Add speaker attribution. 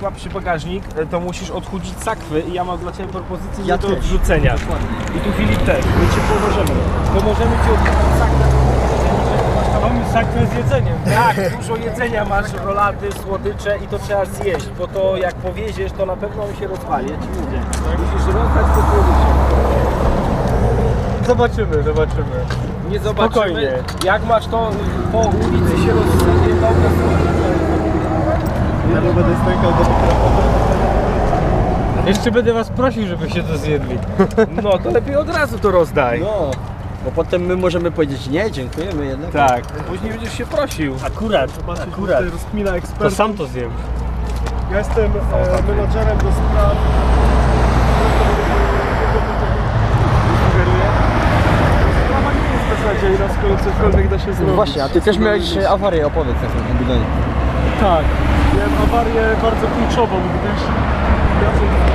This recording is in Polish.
Speaker 1: przy bagażnik, to musisz odchudzić sakwy i ja mam dla Ciebie propozycję nie do odrzucenia. I tu Filip też, my Ci pomożemy. Pomożemy Ci odchudzić sakwę.
Speaker 2: Mamy sakwę z jedzeniem.
Speaker 1: Tak, dużo jedzenia masz, rolaty, słodycze i to trzeba zjeść, bo to jak powieziesz, to na pewno on się rozwali, ja Ci mówię. Musisz rozdać po słodycze.
Speaker 2: Zobaczymy.
Speaker 1: Nie zobaczymy.
Speaker 2: Spokojnie.
Speaker 1: Jak masz to po ulicy się rozsadnie, dobra,
Speaker 3: Ja nie będę stękał do mikrofonu.
Speaker 2: Jeszcze będę was prosił, żebyście to zjedli.
Speaker 1: no to lepiej od razu to rozdaj.
Speaker 4: No, bo potem my możemy powiedzieć nie, dziękujemy jednak.
Speaker 1: Tak, później będziesz się prosił.
Speaker 2: Akurat.
Speaker 3: Tutaj rozkmina
Speaker 2: To
Speaker 3: ekspertów.
Speaker 2: sam to zjem.
Speaker 3: Ja jestem menadżerem do spraw. Sugeruję. Sprawa nie jest beznadziejna, skoro cokolwiek da się
Speaker 4: No
Speaker 3: zrobić.
Speaker 4: właśnie, a ty też miałeś awarię, opowiedz na tym bidonie.
Speaker 3: Tak, miałem awarię bardzo kluczową, gdyż jadąc